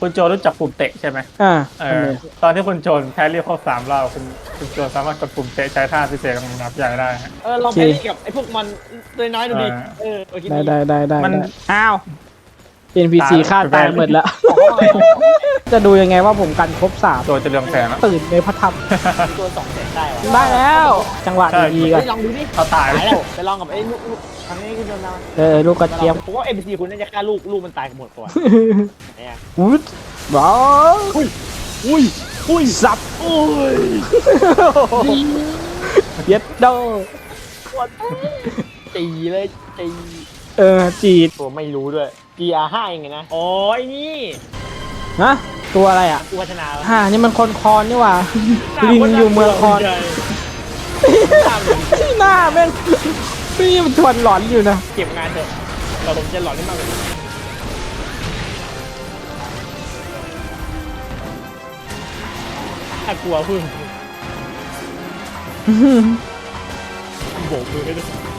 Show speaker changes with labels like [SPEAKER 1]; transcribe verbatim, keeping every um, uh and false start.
[SPEAKER 1] คุณโจรู้จักปุ่มเตะใช่ไหม
[SPEAKER 2] อ่า
[SPEAKER 1] เออตอนที่คุณโจนแพรรี่ครบสามรอบคุณคุณโจสามารถกดปุ่มเตะใช้ท่าพิเศษของนับใหญ่ได้ฮะ
[SPEAKER 3] เออลองไปเล่นกับไอ้พวกมันตัวน้อยดูดิเออโอเค
[SPEAKER 2] ได้ได้ได้ได้
[SPEAKER 1] มัน
[SPEAKER 2] ได้อ้าว เอ็น พี ซี
[SPEAKER 1] ตาย
[SPEAKER 2] ฆ่าตายหมดแล้ว จะดูยังไงว่าผมกันครบสาม
[SPEAKER 1] โจจะเรืองแสงแล้ว
[SPEAKER 2] ตื่นในพระธรรม
[SPEAKER 3] ตัวสองแสนได้วะ
[SPEAKER 2] ได้แล้ว จังหวะ
[SPEAKER 1] ใช่
[SPEAKER 2] ดีๆก่อน
[SPEAKER 3] ลองดูดิ
[SPEAKER 1] เขาตาย
[SPEAKER 3] ตายแล้วไปลองกับไอ้ลูกทางนี้คุณโดนมา
[SPEAKER 2] เออลูกกระเจี๊ยบ
[SPEAKER 3] ผมว่าเอ็มซีคุณน่าจะฆ่าลูกลูกมันตายกันหมดก่อนเนี่ย
[SPEAKER 2] อุ๊ดบ้า
[SPEAKER 3] อุ้ยอุ้ย
[SPEAKER 2] สับ
[SPEAKER 3] อุ้ย
[SPEAKER 2] เย็ดโด
[SPEAKER 3] ตีเลยตี
[SPEAKER 2] เออจีด
[SPEAKER 3] ตัวไม่รู้ด้วย จี อาร์ ห้า เองไงนะโอ้ยนี่
[SPEAKER 2] ฮะตัวอะไรอ่ะ
[SPEAKER 3] อุวัฒนา
[SPEAKER 2] ฮ่านี่มันคนคอนนี่หว่าลิงอยู่เมืองคอนหน้าแม่งนี่มันชวนหลอนอยู่นะ
[SPEAKER 3] เก็บงานเถอะเราผมจะหลอนได้มากกว่านี้ถ้ากลัวพึ่งโบกมือให้ด้วย